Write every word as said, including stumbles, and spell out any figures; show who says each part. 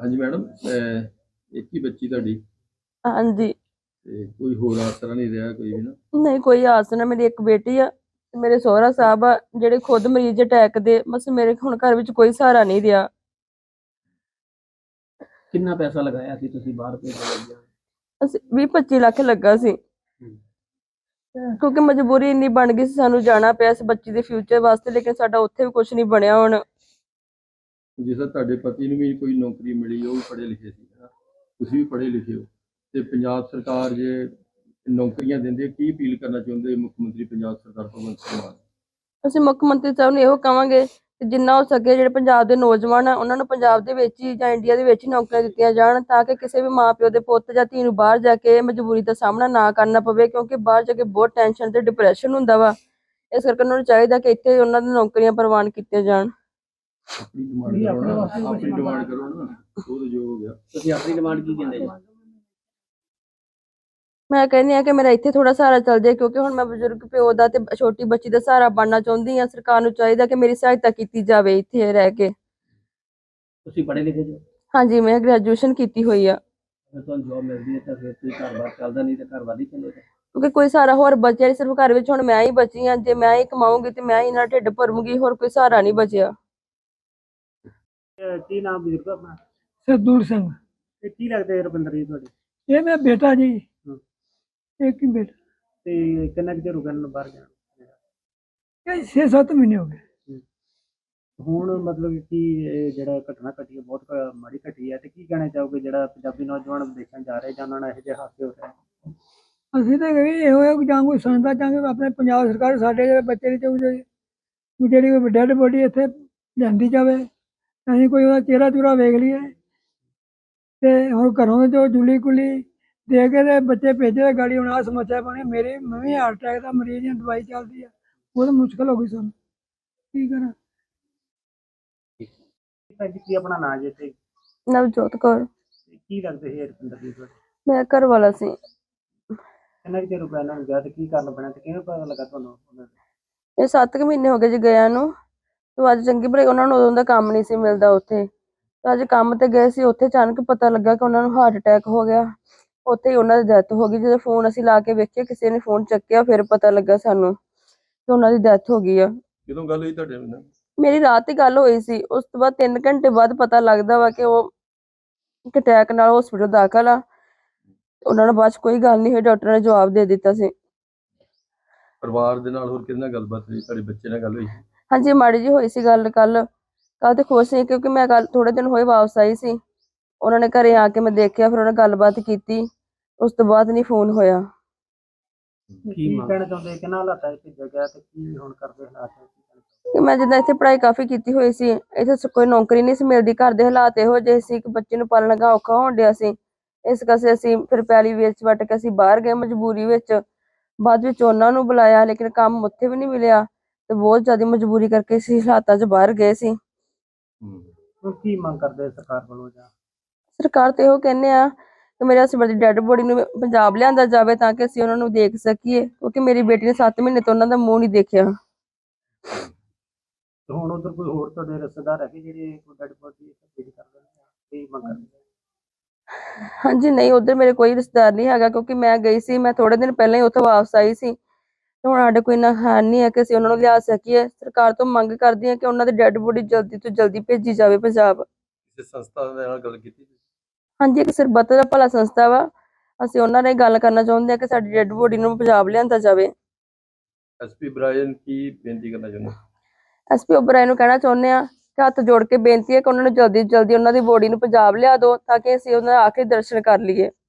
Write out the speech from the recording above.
Speaker 1: हाँ जी मैडम, एक ही बच्ची ਤੁਹਾਡੀ
Speaker 2: हाँ जी।
Speaker 1: ਤੇ ਕੋਈ ਹੋਰ ਆਸਰਾ ਨਹੀਂ ਰਿਹਾ ਕੋਈ ਵੀ ਨਾ?
Speaker 2: नहीं कोई आस ना, मेरी एक बेटी आ ते मेरे सोहरा साहब आ ਜਿਹੜੇ खुद मरीज अटैक दे, बस मेरे ਹੁਣ ਘਰ ਵਿੱਚ ਕੋਈ ਸਹਾਰਾ ਨਹੀਂ ਰਿਹਾ।
Speaker 3: ਕਿੰਨਾ ਪੈਸਾ ਲਗਾਇਆ ਸੀ ਤੁਸੀਂ ਬਾਹਰ ਭੇਜਣ ਲੱਗਿਆ?
Speaker 2: ਅਸੀਂ ਵੀਹ ਪੱਚੀ ਲੱਖ ਲੱਗਾ ਸੀ, ਕਿਉਂਕਿ ਮਜਬੂਰੀ ਇੰਨੀ ਬਣ ਗਈ ਸੀ, ਸਾਨੂੰ ਜਾਣਾ ਪਿਆ ਇਸ ਬੱਚੀ ਦੇ ਫਿਊਚਰ ਵਾਸਤੇ, ਲੇਕਿਨ ਸਾਡਾ ਉੱਥੇ ਵੀ ਕੁਝ ਨਹੀਂ ਬਣਿਆ। ਹੁਣ
Speaker 1: ਜਿਸ ਤਰ੍ਹਾਂ ਤੁਹਾਡੇ ਪਤੀ ਨੂੰ ਵੀ ਕੋਈ ਨੌਕਰੀ ਮਿਲੀ, ਉਹ ਵੀ ਪੜ੍ਹੇ ਲਿਖੇ ਸੀ, ਤੁਸੀਂ ਵੀ ਪੜ੍ਹੇ ਲਿਖੇ ਹੋ, ਤੇ ਪੰਜਾਬ ਸਰਕਾਰ ਜੇ ਨੌਕਰੀਆਂ ਦਿੰਦੇ, ਕੀ ਅਪੀਲ ਕਰਨਾ ਚਾਹੁੰਦੇ ਮੁੱਖ ਮੰਤਰੀ ਪੰਜਾਬ ਸਰਕਾਰ ਭਗਵੰਤ ਸਿੰਘ ਮਾਨ?
Speaker 2: ਅਸੀਂ ਮੁੱਖ ਮੰਤਰੀ ਸਾਹਿਬ ਨੂੰ ਇਹੋ ਕਹਾਂਗੇ ਕਿ ਜਿੰਨਾ ਹੋ ਸਕੇ ਜਿਹੜੇ ਪੰਜਾਬ ਦੇ ਨੌਜਵਾਨ ਆ ਉਹਨਾਂ ਨੂੰ ਪੰਜਾਬ ਦੇ ਵਿੱਚ ਹੀ ਜਾਂ ਇੰਡੀਆ ਦੇ ਵਿੱਚ ਹੀ ਨੌਕਰੀਆਂ ਦਿੱਤੀਆਂ ਜਾਣ, ਤਾਂ ਕਿ ਕਿਸੇ ਵੀ ਮਾਂ ਪਿਓ ਦੇ ਪੁੱਤ ਜਾਂ ਧੀ ਨੂੰ ਬਾਹਰ ਜਾ ਕੇ ਮਜਬੂਰੀ ਦਾ ਸਾਹਮਣਾ ਨਾ ਕਰਨਾ ਪਵੇ, ਕਿਉਂਕਿ ਬਾਹਰ ਜਾ ਕੇ ਬਹੁਤ ਟੈਨਸ਼ਨ ਤੇ ਡਿਪਰੈਸ਼ਨ ਹੁੰਦਾ ਵਾ। ਇਸ ਕਰਕੇ ਉਹਨਾਂ ਨੂੰ ਚਾਹੀਦਾ ਕਿ ਇੱਥੇ ਉਹਨਾਂ ਦੀਆਂ ਨੌਕਰੀਆਂ ਪ੍ਰਵਾਨ ਕੀਤੀਆਂ ਜਾਣ।
Speaker 1: ਆਪਣੀ ਡਿਮਾਂਡ ਕਰੋ ਨਾ, ਆਪਣੀ ਡਿਮਾਂਡ ਕਰੋ ਨਾ, ਉਹ ਜੋ ਹੋ ਗਿਆ।
Speaker 3: ਤੁਸੀਂ ਆਪਣੀ ਡਿਮਾਂਡ ਕੀ ਕਹਿੰਦੇ ਜੀ?
Speaker 2: ਮੈਂ ਕਹਿੰਦੀ ਆ ਕਿ ਮੇਰਾ ਇੱਥੇ ਥੋੜਾ ਸਹਾਰਾ ਚੱਲ ਜਾਏ, ਕਿਉਂਕਿ ਹੁਣ ਮੈਂ ਬਜ਼ੁਰਗ ਪਿਓ ਦਾ ਤੇ ਛੋਟੀ ਬੱਚੀ ਦਾ ਸਹਾਰਾ ਬਣਨਾ ਚਾਹੁੰਦੀ ਆ। ਸਰਕਾਰ ਨੂੰ ਚਾਹੀਦਾ ਕਿ ਮੇਰੀ ਸਹਾਇਤਾ ਕੀਤੀ ਜਾਵੇ ਇੱਥੇ ਰਹਿ ਕੇ।
Speaker 3: ਤੁਸੀਂ ਪੜ੍ਹੇ ਲਿਖੇ ਜੋ?
Speaker 2: ਹਾਂਜੀ, ਮੈਂ ਗ੍ਰੈਜੂਏਸ਼ਨ ਕੀਤੀ ਹੋਈ ਆ।
Speaker 3: ਜੇ ਤੁਹਾਨੂੰ ਜੌਬ ਮਿਲਦੀ ਹੈ ਤਾਂ ਫਿਰ ਤੁਸੀਂ ਘਰ-ਬਾਰ ਚੱਲਦਾ, ਨਹੀਂ ਤਾਂ ਘਰ-ਬਾਰ ਹੀ ਚੱਲੇਗਾ।
Speaker 2: ਕਿਉਂਕਿ ਕੋਈ ਸਹਾਰਾ ਹੋਰ ਬਚਿਆ ਨਹੀਂ, ਸਿਰਫ ਘਰ ਵਿੱਚ ਹੁਣ ਮੈਂ ਹੀ ਬਚੀ ਆ। ਜੇ ਮੈਂ ਹੀ ਕਮਾਉਂਗੀ ਤੇ ਮੈਂ ਹੀ ਇਹਨਾਂ ਢਿੱਡ ਭਰੂੰਗੀ, ਹੋਰ ਕੋਈ ਸਹਾਰਾ ਨਹੀਂ ਬਚਿਆ।
Speaker 3: ਕੀ ਨਾਮ ਬਜ਼ੁਰਗ ਆਪਣਾ?
Speaker 4: ਸਰਦੂਲ ਸਿੰਘ।
Speaker 3: ਤੇ ਕੀ ਲੱਗਦੇ ਰਵਿੰਦਰ ਜੀ ਤੁਹਾਡੇ?
Speaker 4: ਇਹ ਮੇਰਾ ਬੇਟਾ ਜੀ, ਇੱਕ ਹੀ ਬੇਟਾ।
Speaker 3: ਤੇ ਕਿੰਨਾ ਕੁ ਚਿਰ ਹੋ ਗਿਆ ਇਹਨੂੰ ਬਾਹਰ ਜਾਣ?
Speaker 4: ਇਹ ਛੇ ਸੱਤ ਮਹੀਨੇ ਹੋ ਗਏ।
Speaker 3: ਹੁਣ ਮਤਲਬ ਕਿ ਇਹ ਜਿਹੜਾ ਘਟਨਾ ਘਟੀ ਹੈ ਬਹੁਤ ਮਾੜੀ ਘਟੀ ਹੈ, ਤੇ ਕੀ ਕਹਿਣਾ ਚਾਹੋਗੇ ਜਿਹੜਾ ਪੰਜਾਬੀ ਨੌਜਵਾਨ ਵਿਦੇਸ਼ਾਂ ਜਾ ਰਹੇ ਜਾਂ ਉਹਨਾਂ ਨਾਲ ਇਹੋ ਜਿਹੇ ਹਾਦਸੇ ਹੋ ਰਹੇ?
Speaker 4: ਅਸੀਂ ਤਾਂ ਕਹੀ ਇਹੋ ਹੈ ਕਿ ਜਾਂ ਕੋਈ ਸੁਣਦਾ ਚਾਹਾਂਗੇ ਆਪਣੇ ਪੰਜਾਬ ਸਰਕਾਰ ਸਾਡੇ ਜਿਹੜੇ ਬੱਚੇ ਦੀ ਚਾਹੀਦੀ ਜਿਹੜੀ ਕੋਈ ਡੈਡ ਬੋਡੀ ਇੱਥੇ ਲਿਆਂਦੀ ਜਾਵੇ, ਅਸੀਂ ਕੋਈ ਉਹਦਾ ਚਿਹਰਾ ਚੂਰਾ ਵੇਖ ਲਈਏ। ਤੇ ਹੁਣ ਘਰੋਂ ਜੋ ਜੁਲੀ ਕੁਲੀ ਦੇ ਕੇ ਤੇ ਬੱਚੇ ਭੇਜੇ ਗਾੜੀ, ਹੁਣ ਆਹ ਸਮੱਸਿਆ ਬਣੀ। ਮੇਰੀ ਮੈਂ ਵੀ ਹਾਰਟ ਅਟੈਕ ਦਾ ਮਰੀਜ਼ ਹਾਂ, ਦਵਾਈ ਚੱਲਦੀ ਆ, ਉਹ ਤਾਂ ਮੁਸ਼ਕਿਲ ਹੋ ਗਈ ਸਾਨੂੰ, ਕੀ ਕਰਾਂ।
Speaker 3: ਕੀ ਆਪਣਾ ਨਾਂ ਜੇ ਤੇ
Speaker 2: ਨਵਜੋਤ ਕੌਰ।
Speaker 3: ਕੀ ਲੱਗਦੇ ਸੀ ਰਵਿੰਦਰ ਜੀ ਤੁਹਾਡੇ?
Speaker 2: ਮੇਰਾ ਘਰ ਵਾਲਾ ਸੀ।
Speaker 3: ਕਿੰਨਾ ਕੁ ਚਿਰ ਹੋ ਗਿਆ ਇਹਨਾਂ ਨੂੰ ਗਿਆ, ਤੇ ਕੀ ਕਾਰਨ ਬਣਿਆ, ਤੇ ਕਿਵੇਂ ਪਤਾ ਲੱਗਾ ਤੁਹਾਨੂੰ ਉਹਨਾਂ ਦਾ?
Speaker 2: ਇਹ ਸੱਤ ਕੁ ਮਹੀਨੇ ਹੋ ਗਏ ਜੀ ਗਿਆ ਨੂੰ। ਤੇ ਅੱਜ ਚੰਗੀ ਭਲੀ ਉਹਨਾਂ ਨੂੰ ਉਦੋਂ ਦਾ ਕੰਮ ਨਹੀਂ ਸੀ ਮਿਲਦਾ ਉੱਥੇ, ਤੇ ਅੱਜ ਕੰਮ ਤੇ ਗਏ ਸੀ। ਉੱਥੇ ਅਚਾਨਕ ਪਤਾ ਲੱਗਾ ਕਿ ਉਹਨਾਂ ਨੂੰ ਹਾਰਟ ਅਟੈਕ ਹੋ ਗਿਆ। ਉੱਥੇ ਹੀ ਉਹਨਾਂ ਦੀ ਡੈਥ ਹੋ ਗਈ। ਜਦੋਂ ਫੋਨ ਅਸੀਂ ਲਾ ਕੇ ਵੇਖਿਆ, ਕਿਸੇ ਨੇ ਫੋਨ ਚੱਕਿਆ, ਫਿਰ ਪਤਾ ਲੱਗਾ ਸਾਨੂੰ ਕਿ ਉਹਨਾਂ ਦੀ ਡੈਥ ਹੋ ਗਈ ਆ।
Speaker 1: ਕਦੋਂ ਗੱਲ ਹੋਈ ਤੁਹਾਡੇ ਨਾਲ?
Speaker 2: ਮੇਰੀ ਰਾਤ ਹੀ ਗੱਲ ਹੋਈ ਸੀ। ਉਸ ਤੋਂ ਬਾਅਦ ਤਿੰਨ ਘੰਟੇ ਬਾਅਦ ਪਤਾ ਲੱਗਦਾ ਵਾ ਕਿ ਉਹ ਅਟੈਕ ਨਾਲ ਹਸਪੀਟਲ ਦਾਖਲ ਆ। ਉਹਨਾਂ ਨਾਲ ਬਾਅਦ ਚ ਕੋਈ ਗੱਲ ਨਹੀਂ ਹੋਈ, ਡਾਕਟਰ ਨੇ ਜਵਾਬ ਦੇ ਦਿੱਤਾ ਸੀ।
Speaker 1: ਪਰਿਵਾਰ ਦੇ ਨਾਲ ਹੋਰ ਕਿਹਦੇ ਨਾਲ ਗੱਲਬਾਤ ਹੋਈ? ਤੁਹਾਡੇ ਬੱਚੇ ਨਾਲ ਗੱਲ ਹੋਈ?
Speaker 2: ਹਾਂਜੀ, ਮਾੜੀ ਜੀ ਹੋਈ ਸੀ ਗੱਲ। ਕੱਲ ਕੱਲ ਤੇ ਖੁਸ਼ ਸੀ, ਕਿਉਂਕਿ ਮੈਂ ਕੱਲ ਥੋੜੇ ਦਿਨ ਹੋਏ ਵਾਪਸ ਆਈ ਸੀ। ਉਹਨਾਂ ਨੇ ਘਰੇ ਆ ਕੇ ਮੈਂ ਦੇਖਿਆ, ਫਿਰ ਉਹਨਾਂ ਗੱਲਬਾਤ ਕੀਤੀ। ਉਸ ਤੋਂ ਬਾਅਦ ਨਹੀਂ ਫੋਨ ਹੋਇਆ।
Speaker 3: ਕੀ ਕਹਿਣਾ ਚਾਹੁੰਦੇ, ਕਿੰਨਾ ਹਾਲਾਤਾਂ 'ਚ ਭੇਜਿਆ ਗਿਆ, ਤੇ ਕੀ ਹੁਣ ਕਰਦੇ ਹਾਲਾਤ?
Speaker 2: ਕਿ ਮੈਂ ਜਿੱਦਾਂ ਇੱਥੇ ਪੜ੍ਹਾਈ ਕਾਫੀ ਕੀਤੀ ਹੋਈ ਸੀ, ਇੱਥੇ ਕੋਈ ਨੌਕਰੀ ਨਹੀਂ ਸੀ ਮਿਲਦੀ, ਘਰ ਦੇ ਹਾਲਾਤ ਇਹੋ ਜਿਹੇ ਸੀ ਕਿ ਬੱਚੇ ਨੂੰ ਪਾਲਣ ਦਾ ਔਖਾ ਹੋਣ ਡਿਆ ਸੀ। ਇਸ ਕਰਕੇ ਅਸੀਂ ਫਿਰ ਪੈਲੀ ਵੇਚ ਵੱਟ ਕੇ ਅਸੀਂ ਬਾਹਰ ਗਏ ਮਜਬੂਰੀ ਵਿੱਚ। ਬਾਅਦ ਵਿੱਚ ਉਹਨਾਂ ਨੂੰ ਬੁਲਾਇਆ, ਲੇਕਿਨ ਕੰਮ ਉੱਥੇ ਵੀ ਨਹੀਂ ਮਿਲਿਆ, ਤੇ ਬਹੁਤ ਜ਼ਿਆਦਾ ਮਜਬੂਰੀ ਕਰਕੇ ਅਸੀਂ ਹਾਲਾਤਾਂ 'ਚ ਬਾਹਰ ਗਏ ਸੀ।
Speaker 3: ਹੁਣ ਕੀ ਮੰਗ ਕਰਦੇ ਸਰਕਾਰ ਵੱਲੋਂ? ਜਾਂ
Speaker 2: ਸਰਕਾਰ ਤੇ ਇਹੋ ਕਹਿੰਦੇ ਆ ਕਿ ਮੇਰੇ ਹਸਬੈਂਡ ਦੀ ਡੈਡ ਬੋਡੀ ਨੂੰ ਪੰਜਾਬ ਲਿਆਂਦਾ ਜਾਵੇ, ਤਾਂ ਕਿ ਅਸੀਂ ਉਹਨਾਂ ਨੂੰ ਦੇਖ ਸਕੀਏ, ਕਿਉਂਕਿ ਮੇਰੀ ਬੇਟੀ ਨੇ ਸੱਤ ਮਹੀਨੇ ਤੋਂ ਉਹਨਾਂ ਦਾ ਮੂੰਹ ਨਹੀਂ ਦੇਖਿਆ।
Speaker 3: ਤੇ ਹੁਣ ਉਧਰ ਕੋਈ ਹੋਰ ਤੁਹਾਡੇ ਰਿਸ਼ਤੇਦਾਰ ਹੈਗੇ ਜਿਹੜੇ ਕੋਈ ਡੈਡ ਬੋਡੀ ਭੇਜ ਕਰਦੇ ਨੇ, ਕੀ ਮੰਗ ਕਰਦੇ?
Speaker 2: ਹਾਂਜੀ, ਨਹੀਂ, ਉਧਰ ਮੇਰੇ ਕੋਈ ਰਿਸ਼ਤੇਦਾਰ ਨਹੀਂ ਹੈਗਾ, ਕਿਉਂਕਿ ਮੈਂ ਗਈ ਸੀ, ਮੈਂ ਥੋੜੇ ਦਿਨ ਪਹਿਲਾਂ ਹੀ ਉੱਥੋਂ ਵਾਪਸ ਆਈ ਸੀ। ਤੇ ਹੁਣ ਸਾਡੇ ਕੋਈ ਇੰਨਾ ਹੈ ਨਹੀਂ ਹੈ ਕਿ ਅਸੀਂ ਉਹਨਾਂ ਨੂੰ ਲਿਆ ਸਕੀਏ। ਸਰਕਾਰ ਤੋਂ ਮੰਗ ਕਰਦੀ ਹਾਂ ਕਿ ਉਹਨਾਂ ਦੀ ਡੈਡ ਬੋਡੀ ਜਲਦੀ ਤੋਂ ਜਲਦੀ ਭੇਜੀ ਜਾਵੇ ਪੰਜਾਬ।
Speaker 1: ਕਿਸੇ ਸੰਸਥਾ ਦੇ ਨਾਲ ਗੱਲ ਕੀਤੀ?
Speaker 2: ਹਾਂਜੀ, ਇੱਕ ਸਰਬੱਤ ਦਾ ਭਲਾ ਸੰਸਥਾ ਵਾ, ਅਸੀਂ ਉਹਨਾਂ ਨਾਲ ਗੱਲ ਕਰਨਾ ਚਾਹੁੰਦੇ ਹਾਂ ਕਿ ਸਾਡੀ ਡੈਡ ਬੋਡੀ ਨੂੰ ਪੰਜਾਬ ਲਿਆਂਦਾ ਜਾਵੇ।
Speaker 1: ਐਸਪੀ ਬ੍ਰਾਇਨ ਕੀ ਬੇਨਤੀ ਕਰਨਾ ਚਾਹੁੰਦੇ?
Speaker 2: ਐਸਪੀ ਓਬਰਾਏ ਨੂੰ ਕਹਿਣਾ ਚਾਹੁੰਦੇ ਆ ਕਿ ਹੱਥ ਜੋੜ ਕੇ ਬੇਨਤੀ ਹੈ ਕਿ ਉਹਨਾਂ ਨੂੰ ਜਲਦੀ ਜਲਦੀ ਉਹਨਾਂ ਦੀ ਬੋਡੀ ਨੂੰ ਪੰਜਾਬ ਲਿਆ ਦਿਓ, ਤਾਂ ਕਿ ਅਸੀਂ ਉਹਨਾਂ ਦੇ ਆਖਰੀ ਦਰਸ਼ਨ ਕਰ ਲਈਏ।